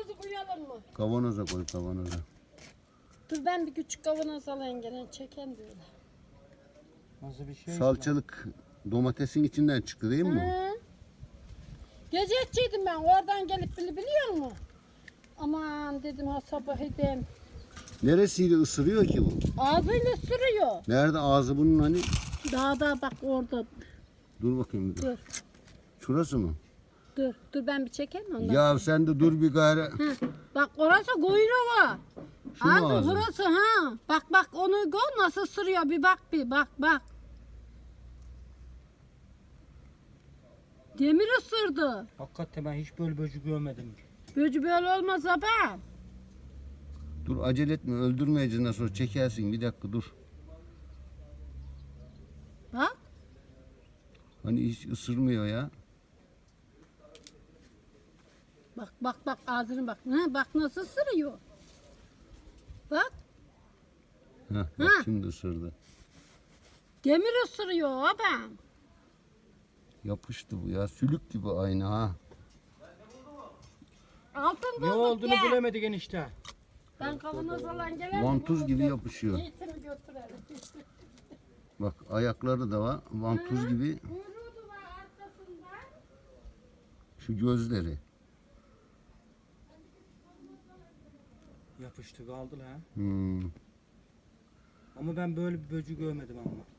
kavanozu koyalım mı? Kavanoza koy, kavanoza. Dur ben bir küçük kavanoz alayım gene çeken diyor. Nasıl bir şey? Salçalık domatesin içinden çıktı değil mi bu? Hı. Gecekçiydim ben oradan gelip biliyor musun? Aman dedim ha sabah edeyim. Neresiyle ısırıyor ki bu? Ağzıyla sürüyor. Nerede ağzı bunun hani? Dağda bak orada. Dur bakayım. Dur. Şurası mı? Dur ben bir çekeyim ondan. Ya sen de dur bir gayre. Hı. Bak orası kuyruğu. Şu mu ağzı? Burası ha. Bak onu gör nasıl sürüyor bir bak. Demir ısırdı. Hakikaten ben hiç böyle böcek görmedim. Böcü böyle olmaz abi. Dur acele etme, öldürmeyeceğiz nasıl olsa çekersin, bir dakika dur. Bak. Hani hiç ısırmıyor ya. Bak ağzını bak. Hı, bak nasıl ısırıyor. Bak. Heh, bak şimdi ısırdı. Demir ısırıyor abi. Yapıştı bu ya, sülük gibi aynı ha. Altın Ne bulduk olduğunu ya. bilemedik enişte. Ben kavanoz olan gelen. Vantuz gibi yapışıyor. Eğitimi götürelim. Bak ayakları da var, vantuz gibi. Kuyruğu da var arkasında. Şu gözleri. Yapıştı kaldı ha. Hmm. Ama ben böyle bir böcek görmedim ama.